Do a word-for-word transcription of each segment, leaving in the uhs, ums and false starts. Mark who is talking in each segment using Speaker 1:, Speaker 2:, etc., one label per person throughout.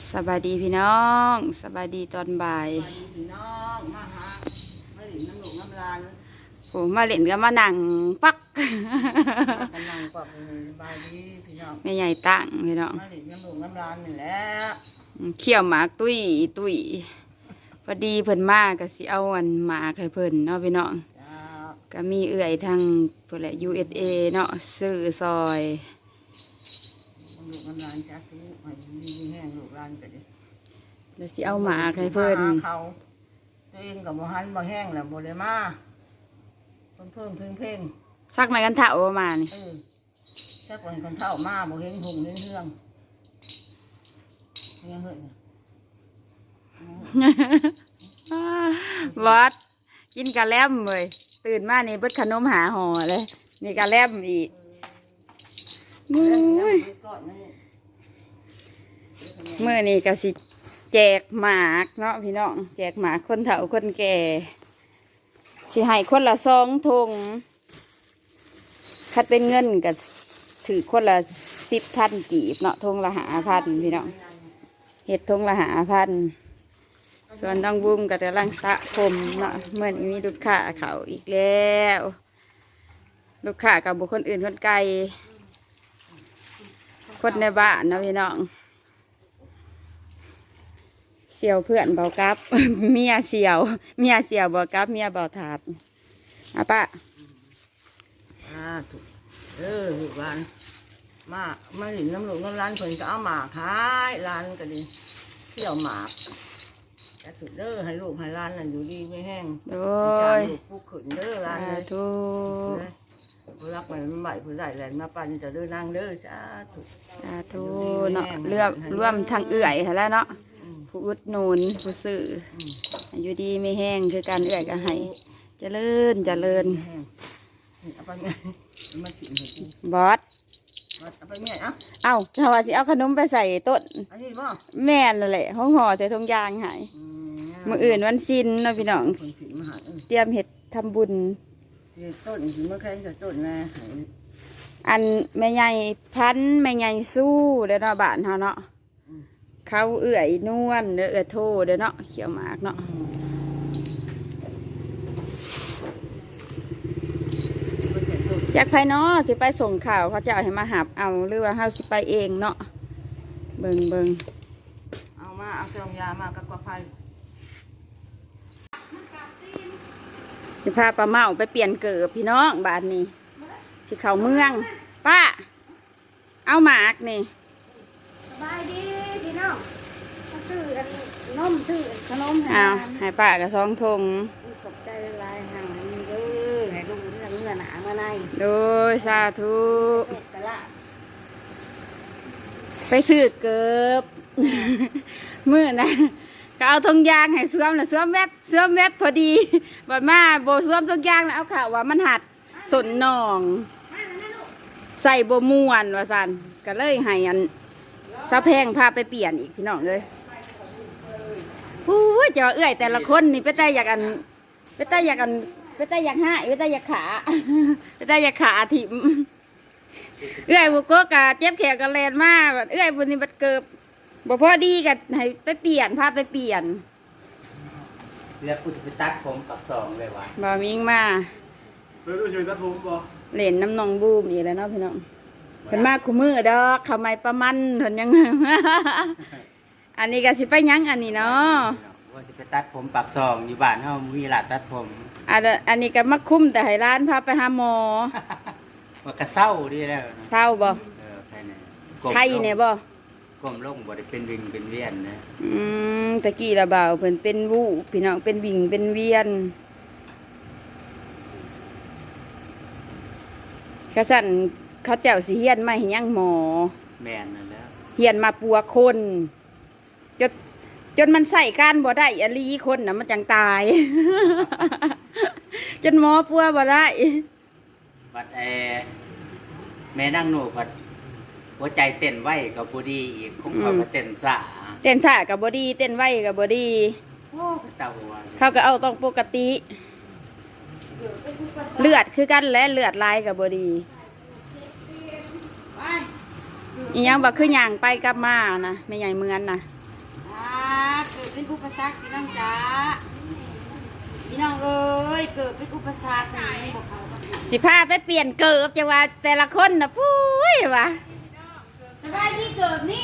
Speaker 1: สบายดีพี่น้องสบายดีตอนบ่าย
Speaker 2: พี่น้องมาหามาหลินน้ำหลงน้ำลาน
Speaker 1: ผมมาเล่นก็มานั่งปัก
Speaker 2: กำลังกว่าสบายดีพี่น้อง
Speaker 1: แม่ใหญ่ตั้งพี่น้อง
Speaker 2: มาหลินน้ำหลงน้ำลานนี่แหละ
Speaker 1: เขี่ยวหมากตุ้ยตุ้ยพอดีเพิ่นมาก็สิเอาอันหมากให้เพิ่นเนาะพี่น้องก็มีเอื่อยทางเพิ่นแหละ ยู เอส เอ เนาะซื้อซอย
Speaker 2: ลูกน้ำลานจักทุกให้มีแห้งลูกลานก็ดิ
Speaker 1: แล้วสิเอาหมากให้เพิ่น
Speaker 2: เขาตัวเองกับบ่หันบ่แห้งแล้วบ่ได้มาเพิ่มเพิ่มเพ่งเพ่ง
Speaker 1: ซักไม้กันเถ่าประมาณนี่
Speaker 2: เออซักไม้กันเถ่ามาบ่เห็นหุ่งเห็นเฮืองยังเฮ้ย
Speaker 1: บอสกินกะแลมเลยตื่นมานี่เบิดขนมหาห่อเลยนี่กะแลมอีกเมื่อนี้ก็สิแจกหมากเนาะพี่น้องแจกหมากคนเฒ่าคนแก่สิให้คนละซองทงคัดเป็นเงินก็ถือคนละสิบพันกีบเนาะทงละหาพันพี่น้องเห็ดทงละหาพันส่วนต้องบุ้มกับกำลังสะผมเนาะเมื่อนี้มีลูกค้าเขาอีกแล้วลูกค้ากับบุคคลอื่นคนไกลคนในบ้านนะพี่น้องเสี่ยวเพื่อนเบากับเมียเสี่ยวเมียเสี่ยวเบากับเมียเบาถาดอ่ะป้า
Speaker 2: อ่าถูกเออลูกหลานมามาหลินน้ำหลงน้ำร้านเพิ่นก็เอาหมากขายร้านก็ดีเที่ยวหมากจะสุดเด้อให้ลูกให้ร้านนั่นอยู่ดีไม่แห้ง
Speaker 1: โดย
Speaker 2: ผู้ขืนเด้อร้านเลย
Speaker 1: ทุก
Speaker 2: ผู้รักมันใหม่ผู้ใหญ่แหลนมาปั่นจะเด้อนั่งเด้อจ้าถูก
Speaker 1: สาธุเนาะเรื่องร่วมทางเอื่อยแล้วเนาะผู้อุดหนุนผู้ซื้ออยู่ดีไม่แห้งคือการเอื่อยก็ให้เจริญเจริญบอส
Speaker 2: เอาไปเมียเอ้า
Speaker 1: เอ้าถ้าว่าสิเอาขนมไปใส่ต้น
Speaker 2: อันนี้บ่
Speaker 1: แม่นั่นแหละห้องห่อใส่ทงยางหายมื้ออื่นวันสิ้นเนาะพี่น้องเตรียมเฮ็ดทำบุญ
Speaker 2: ต้นสิมาแข่งกับต้นแม่
Speaker 1: อันแม่ใหญ่พันแม่ใหญ่สู้เด้อเนาะบ้านเฮาเนาะเขาเอื่อยนวลเด้อเอื้อโทเด้อเนาะเขียวหมากเนาะจากภายนอกสิไปส่งข่าวเขาจะเอาให้มาหับเอาหรือว่าเฮาสิไปเองเนาะเบิ่งเบิ่ง
Speaker 2: เอามาเอาเครื่องยามากับกระเพรา
Speaker 1: สิพาป้าเมาไปเปลี่ยนเกิบพี่น้องบ้านนี้สิเข้าเมืองป้าเอาหมากนี่
Speaker 3: สบายดีพี่น้องซื้อนมซื้อขนม
Speaker 1: อ้าวให้ป้ากับซองทง
Speaker 3: ขอบใจหลายห่างนี่เด้อให้ลูกเรื่องเงินหนามาใน
Speaker 1: โดยสาธุไปซื้อเกิบมื้อนะก็เอาทงยางให้เสื่อมแล้วเสื่อมแวบเสื่อมแวบพอดีบัดมาโบเสื่อมทงยางแล้วเอาข่าวว่ามันหัดสนนองใส่โบม่วนว่าสันก็เลยให้อันซาแพงพาไปเปลี่ยนอีกพี่น้องเลยผู้ว่าจะเอื้อยแต่ละคนนี่ไปแต่อยากอันไปแต่อยากอันไปแต่อยากหายไปแต่อยากขาไปแต่อยากขาถิ่มเอื้อยบุกก็กะเจ็บแขนกะแลนมากเอื้อยบุญนี่บัดเกิบบ่พอดีกันให้ไปเปลี่ยนพาไปเปลี่ยน
Speaker 4: เรียกกูจะไปตัดผมปักสองเลยวะ
Speaker 1: บ่มิงมา
Speaker 4: เลยดูชีวิตตัดผมบ่
Speaker 1: เล่นน้ำนองบูมอีกแล้วเนาะพี่น้องเพิ่นมาคู่มือดอกเขาไม่ประมันเพิ่นยังอันนี้ก็สิไปยังอันนี้เนาะ
Speaker 4: ว่าจะไปตัดผมปักสองอยู่บ้านเฮามีร้านตัดผม
Speaker 1: อันอันนี้ก็มาคุ้มแต่ให้ร้านพาไปหาหมอ
Speaker 4: ว่ากระเซ้าดีแล้ว
Speaker 1: เศร้าบ่
Speaker 4: เออใครเนี่ย
Speaker 1: ไข้เนี่ยบ่
Speaker 4: ก้มลงบ่ได้เป็นวิงเป็นเวียนนะ
Speaker 1: อืมตะกี้ละบ่าวเพิ่นเป็นวูบพี่น้องเป็นวิงเป็นเวียนกระสั่นเขาเจ้าสิเฮียนมาให้ยังหมอ
Speaker 4: แม่นนั่นแล้ว
Speaker 1: เฮียนมาปัวคนจนจนมันใส่การบ่ได้อลีคนน่ะมันจังตายจนหมอปัวบ่ได้
Speaker 4: บัดแอแม่นั่งหนูบัดหัวใจเต้นไวกับบ่ดีอีกคงเขาก็เต้นซ่า
Speaker 1: เต้นซ่ากับบ่ดีเต้นไวกับบ่ดี
Speaker 4: โอ้ตาหัว
Speaker 1: เขาก็เอาต้องปกติเลือดคือกันและเลือดลายกับบ่ดีอีหยังบ่คือหยังไปกลับมานะไม่ใหญ่เมือนนะ
Speaker 3: อ่าเกิดเป็นอุปสรรคพี่น้องจ๋าพี่น้องเอ้ยเกิดเป็นอุปสรรคนี่บอกเขาว่า
Speaker 1: สิพาไปเปลี่ยนเกิบจะว่าแต่ละคนน่ะปุ้ยวะ
Speaker 3: สบายที่เกิดนี่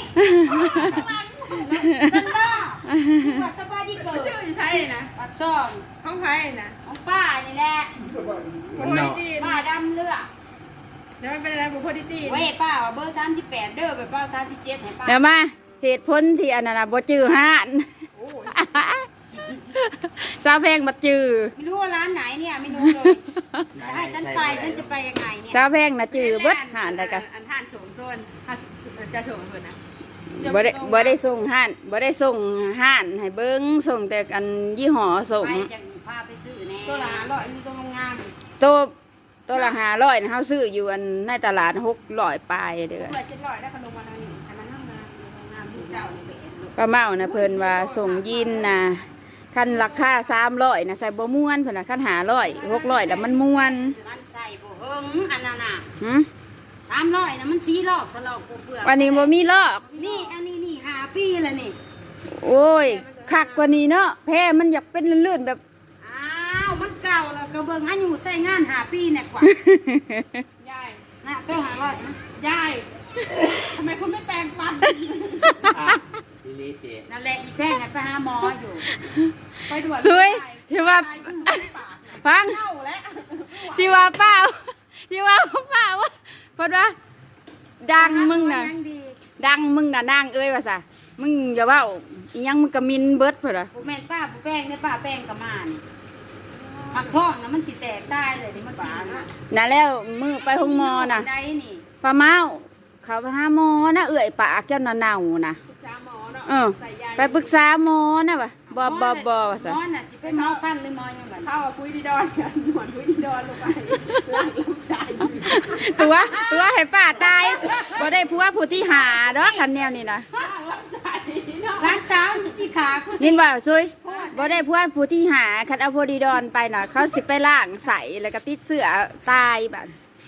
Speaker 3: ฉันก็ว่าสบายที่เกิด
Speaker 5: ชื่ออยู่ใช่นะ
Speaker 3: ปักซ่อง
Speaker 5: ห้องไพ่นะ
Speaker 3: ของป้านี่แหละ
Speaker 5: บุพอดีตีน
Speaker 3: ป้าดำเลือด
Speaker 5: เดี๋ยวมันเป็นอะไรบุพอดีตีน
Speaker 3: เว้ยป้าว่าเบอร์สามสิบแปดเด้อไปป้าสามสิบเจ็ดให้ป้า
Speaker 1: เดี๋ยวมาเหตุผลที่อันนั้นน่ะบ่จื้อห้าน
Speaker 3: โอ้ย
Speaker 1: สาวแพงบ่จื้อ
Speaker 3: ไม่รู้ว่าร้านไหนเนี่ยไม่รู้เลยจะให้ฉันไปฉันจะไปยังไงเนี่ย
Speaker 1: สาวแพงน่ะจื้อเบิดห้านได้กะ
Speaker 5: อันท่านสูงต้นถ้าจะสูงเพิ่นนะ
Speaker 1: บ่ได้บ่ได้ส่งห้านบ่ได้ส่งห้านให้เบิ่งส่งแต่อันยี่ห้อส่ง
Speaker 3: ไปจะพาไปซื้อแน่
Speaker 5: ตัวละห้าร้อยมีตัวงาม
Speaker 1: โตวตัวละห้าร้อยนะเฮาซื้ออยู่อันในตลาดหกร้อยปลายเด้อ
Speaker 5: เปิดเจ็ดร้อยได้ขนมมาทางนี้อันนั้นห้องน้ำห้องน้ำสูงเจ้าเลย
Speaker 1: ป้าเมานะเพิ่นว่าส่งยินนะคันราคาสามร้อยนะใส่บ่ม่วนเพิ่นน่ะคันห้าร้อยหกร้อยแล้วมันม่วน
Speaker 3: มันใส่บ่เฮิงอันนั้นน่ะ
Speaker 1: หึ
Speaker 3: สามร้อยนะมันสีลอกทะลอกเปลือก
Speaker 1: อันนี้บ่มีลอก
Speaker 3: นี่อันนี้นี่ห้าปีแล้วนี่
Speaker 1: โอ้ยคักกว่านี้เนาะแพ้มันอยากเป็นลื่นๆแบบ
Speaker 3: อ้าวมันเก่าแล้วก็เบิ่งอายุใส่งานห้าปีเนี่ยกว่า
Speaker 5: ยาย
Speaker 3: นะเต้าหาร้อยนะ
Speaker 5: ยายทำไมคุณไม่แปรงฟัน
Speaker 4: อ่ะทีนี้เจ๊
Speaker 3: นั่นแหละอีแพงน่ะไปหาหมออยู่
Speaker 5: ไปด่วน
Speaker 1: สวยสิว่าฟัง
Speaker 5: เน่าแล้ว
Speaker 1: สิว่าเปล่าสิว่าเปล่าว่าเพิ่นว่าดังมึงน่ะ
Speaker 3: ยังดี
Speaker 1: ดังมึงน่ะนางเอ้ยว่าซะมึงอย่าเว้าอีหยังมึงก็มินเบิดเพิ่นน่ะ
Speaker 3: บ่แม่นป้าบ่แป้งเด้อป้าแป้งกับมานผักท้องน่ะมันสิแตกตายเลยนี่มันกินน่ะ
Speaker 1: น่ะแล้วมือไปห้องหมอน่ะ
Speaker 3: ได้นี่
Speaker 1: ป้าเมาเขาไปหาหมอนะเอื่อยปากเจ้าน่ะเน่านะ
Speaker 5: จ้าหมอเนาะ
Speaker 1: เออ
Speaker 5: ใส่ยา
Speaker 1: ไปปรึกษาหมอนะวะบอบอบอว่าซะ
Speaker 3: หมอน่ะสิเป็นหมอฟันหรือหมอหยังบัด
Speaker 5: เข้าคุยดีดอนกันหนวดคุยดีดอนลงไปล้างลำไส้
Speaker 1: ตัวตัวให้ป้าตายบ่ได้ผัวผู้ที่หาดอกคันแนวนี่นะ
Speaker 5: ล้างลำไส้เนาะ
Speaker 3: ร้านเช้าสิขาคุณ
Speaker 1: ยินว่าซุยบ่ได้ผัวผู้ที่หาคันเอาโพดีดอนไปน่ะ เขาสิไปล้างใสแล้วก็ติดเสื้อตายบัด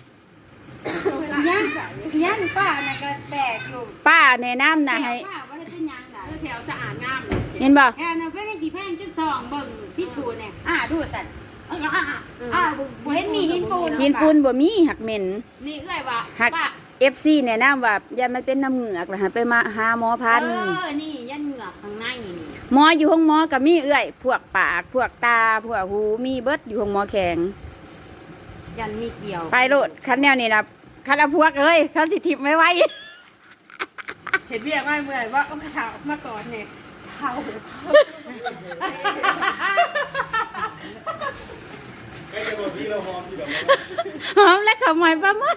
Speaker 3: ยังยังป้าน่ะก็แปลกอยู่
Speaker 1: ป้าแนะนำน่ะให้
Speaker 3: ป้าบ่ได้เป็นหยังได้
Speaker 5: เลือดแถวสะอาดงามเลย
Speaker 1: เห็นบ่
Speaker 3: แค่นั้นเพิ่นให้กี่แพงจุดสองเบิ่งพิสูจน์เนี่ยอ่าดูสั่นอ่าอ่าอ่าบ่เห็นมีหินปูน
Speaker 1: หินปูนบ่มีหักเหม็น
Speaker 3: นี่เอ้ยว่า
Speaker 1: หัก
Speaker 3: ป้า
Speaker 1: เอฟ ซี แนะนำว่าอย่ามันเป็นน้ำเหงือกแล้วให้ไปมาหาหมอพันธุ์
Speaker 3: เออนี่ยันเหงือกข้างในนี่
Speaker 1: หมออยู่ห้องหมอก็มีเอื้อย พวกปาก พวกตา พวกหู มีเบิดอยู่ห้องหมอแข็ง
Speaker 3: ยันมีเกี่ยว
Speaker 1: ไปโลดคันแนวนี้นะคันเอาพวกเอ้ยคันสิทิพไม่ไหว
Speaker 5: เห็นเบี้ยไม่เมื่อยว่าก็มาถามมาก่อนเนี่ยเผา
Speaker 1: หอมและขาวหมอยปลาหมด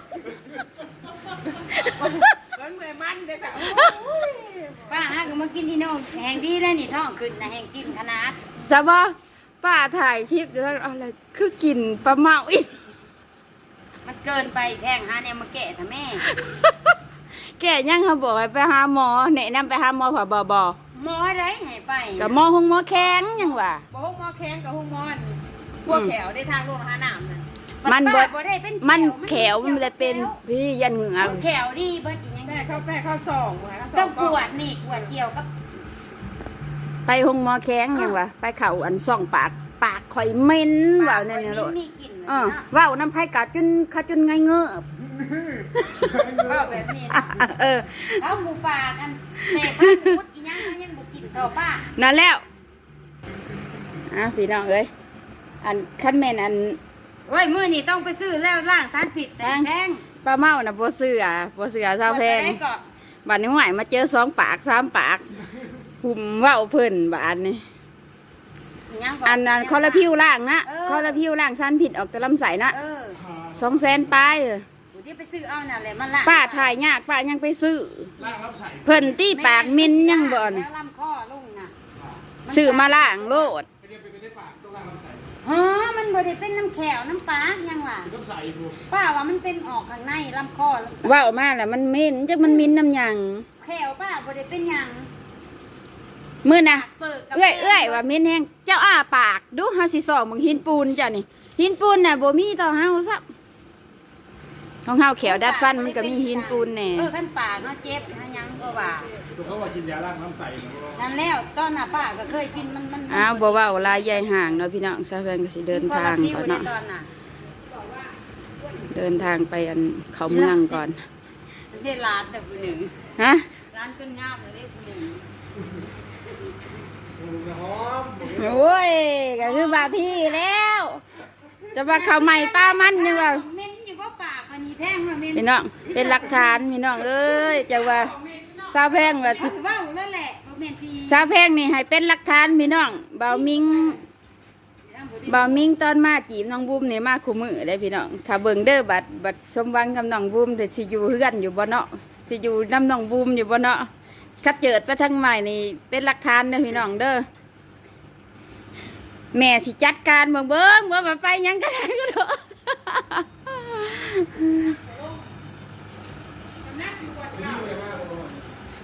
Speaker 5: มันเมื่อยมันเด้อจ้ะ
Speaker 3: ป้าฮะก็มากินที่น้องแห่งดีแล้วนี่ท้องขึ้นนะแห่งกินขนาด
Speaker 1: แต่ว่าป้าถ่ายคลิปอยู่แล้วอะไรคือกินปลาเมาอีก
Speaker 3: มันเกินไปแพงหาเนี่ยมาแกะท่ะแม่
Speaker 1: แกยังเขาบอกให้ไปหาหมอแนะนำไปหาหมอผ่าบอบอ
Speaker 3: หมออะไรให้ไป
Speaker 1: กับหมอห้องหมอแข็งยังว่า
Speaker 5: บ่ห้องหมอแข้งกับห้องหมอนพวกแถวได้ทางโรงหาน้ำนะ
Speaker 1: มันบ่
Speaker 3: ป้าบ่ได้เป็น
Speaker 1: มันแขวมันเลยเป็นพี่ยันเหงือก
Speaker 3: แขวดีเบิดอีหยัง
Speaker 5: แม่เข้าแม่เข้าซองหัวเข้าซ
Speaker 3: ต้
Speaker 5: อ
Speaker 3: อง งกวดนี่กวดเกี่ยวกับ
Speaker 1: ไปห้องหมอแข็งยังว่าไปเข่าอันซ่องปากปากข่อยเหม็นว่าแน่นๆโลด
Speaker 3: มีกลิ่น
Speaker 1: เออว่าวน้ำไผ่กัดจนขาจนไงเงือบ
Speaker 3: ว่าแบบนี้
Speaker 1: เออ
Speaker 3: เอาหมูป่ากันเสพพันมุดอีหยังมันยังบ่กินเท่าป้า
Speaker 1: นั่นแล้วอ่ะพี่น้องเอ้ยอันขั้นแม่นอัน
Speaker 3: โอ้ยมื้อนี้ต้องไปซื้อแล้วล้างสารพิษใส่แพง
Speaker 1: ปลาเมาน่ะบ่เสือบ่เสือเศร้าแพง
Speaker 3: ได้ก็
Speaker 1: บัดนี้หวายมาเจอสองปากสามปากหุ่มเว้าเพิ่นบาดนี้
Speaker 3: อีหยังก็
Speaker 1: อันนั้นคอละพิวล่างนะ
Speaker 3: เออ
Speaker 1: คอละพิวล่างสันผิดออกแต่ลำไส้นะ
Speaker 3: เออ
Speaker 1: สองแสนปลายเออ
Speaker 3: กูที่ไปซื้อเอาน่ะแหละมันละ
Speaker 1: ป้าถ่ายยากป้ายังไปซื้อเพิ่นตี้ปากมินยังบ่อน
Speaker 3: แล้วลำคอลงน่ะ
Speaker 1: ซื้อมาล่างโลด
Speaker 3: ฮะมันบ่ได้เป็นน้ำแขวน้ำปลายังล่ะป้าว่ามันเป็นออกข้างในลำคอลำไส้
Speaker 1: เว้ามาแล้วมันเหม็นจักมันมินน้ำหยัง
Speaker 3: แขวป้าบ่ได้เป็นหยัง
Speaker 1: มื้อน่ะ
Speaker 3: เปิดกับ
Speaker 1: เอื้อยเอื้อยว่าเหม็นแฮงเจ้าอ้าปากดูเฮาสิส่องมึงหินปูนจ้ะนี่หินปูนน่ะบ่มีต่อเฮาซับของเฮาแขวดัดฟันมันก็มีหินปูนแน่
Speaker 3: เออขั้นปากเนาะเจ็บหาหยังก็ว่า
Speaker 6: ตัวเขาว่ากินยาล้างน้ำใสนะ
Speaker 3: นั่นแล้วตอนน่ะป้าก็เคยกินมันมัน
Speaker 1: อ้าวบ่เว้าลายใหญ่ห่างเนาะพี่น้องซาแฟนก็สิเดินทางก่อนเนาะ
Speaker 3: ตอนน่ะ
Speaker 1: เดินทางไปอันเขาเมืองก่อน
Speaker 3: เทศร้านแต่ผู้หนึ่ง
Speaker 1: ฮะ
Speaker 3: ร้านขึ้นงามเลยผู้หนึ่ง
Speaker 1: โอ้ยก็คือบาที่แล้ว จะว่าเขาใหม่ป้ามันยังว่า
Speaker 3: เม้นอยู่ว่าปากมันนี่แท่งว่าเม้น
Speaker 1: พี่น้องเป็นหลักฐานพี่น้องเอ้ยจะว่าซาแพงว่าสิ
Speaker 3: เว้าแล้วแหละบ่แม่นสิ
Speaker 1: ซาแพงนี่ให้เป็นหลักฐานพี่น้องเบามิงเบามิงตอนมาจีบน้องบุ้มนี่มาคู่มือได้พี่น้องถ้าเบิ่งเด้อบัดบัดสมหวังกับน้องบุ้มเดี๋ยวสิอยู่เฮือนอยู่บ่เนาะสิอยู่น้ำน้องบุ้มอยู่บ่เนาะคัดเจิดไปทางใหม่นี่เป็นหลักฐานเด้อพี่น้องเด้อแม่สิจัดการเบิ่งเบิ่งว่าไปยังก็ได้ก็เถอะ